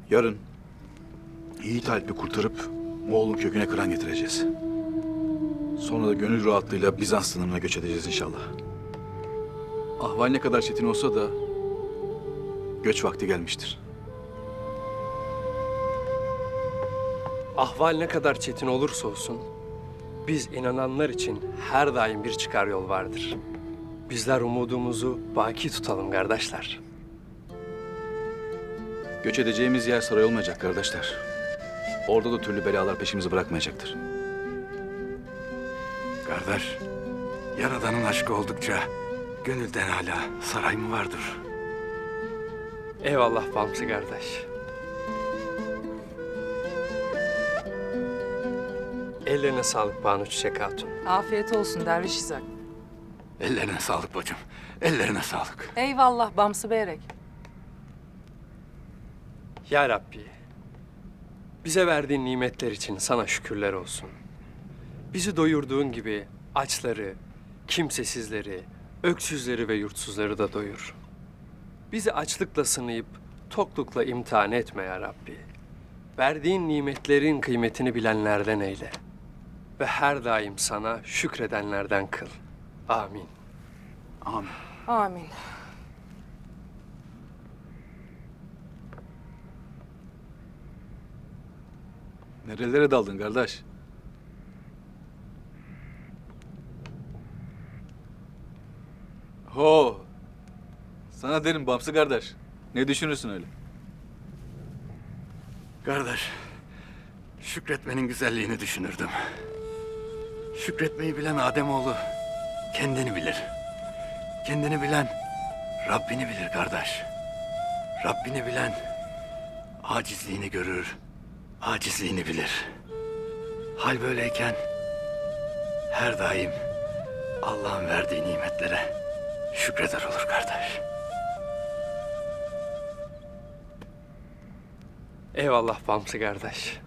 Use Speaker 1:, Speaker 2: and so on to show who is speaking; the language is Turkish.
Speaker 1: Yarın Yiğit Alp'i kurtarıp Moğol'un köküne kıran getireceğiz. Sonra da gönül rahatlığıyla Bizans sınırına göç edeceğiz inşallah. Ahval ne kadar çetin olsa da göç vakti gelmiştir.
Speaker 2: Ahval ne kadar çetin olursa olsun, biz inananlar için her daim bir çıkar yol vardır. Bizler umudumuzu baki tutalım kardeşler.
Speaker 1: Göç edeceğimiz yer saray olmayacak kardeşler. Orada da türlü belalar peşimizi bırakmayacaktır.
Speaker 3: Kardeş, Yaradan'ın aşkı oldukça gönülden hala saray mı vardır?
Speaker 2: Eyvallah Bamsı kardeş. Ellerine sağlık Banu Çiçek Hatun.
Speaker 4: Afiyet olsun Derviş İshak.
Speaker 3: Ellerine sağlık bacım, ellerine sağlık.
Speaker 4: Eyvallah Bamsı Beyrek.
Speaker 2: Ya Rabbi, bize verdiğin nimetler için sana şükürler olsun. Bizi doyurduğun gibi açları, kimsesizleri, öksüzleri ve yurtsuzları da doyur. Bizi açlıkla sınayıp toklukla imtihan etme ya Rabbi. Verdiğin nimetlerin kıymetini bilenlerden eyle. Ve her daim sana şükredenlerden kıl. Amin.
Speaker 1: Amin.
Speaker 4: Amin.
Speaker 1: Nerelere daldın kardeş? Ho! Sana derim Bamsı kardeş. Ne düşünürsün öyle?
Speaker 3: Kardeş, şükretmenin güzelliğini düşünürdüm. Şükretmeyi bilen Ademoğlu kendini bilir. Kendini bilen Rabbini bilir kardeş. Rabbini bilen acizliğini görür, acizliğini bilir. Hal böyleyken her daim Allah'ın verdiği nimetlere şükreder olur kardeş.
Speaker 2: Eyvallah Bamsı kardeş.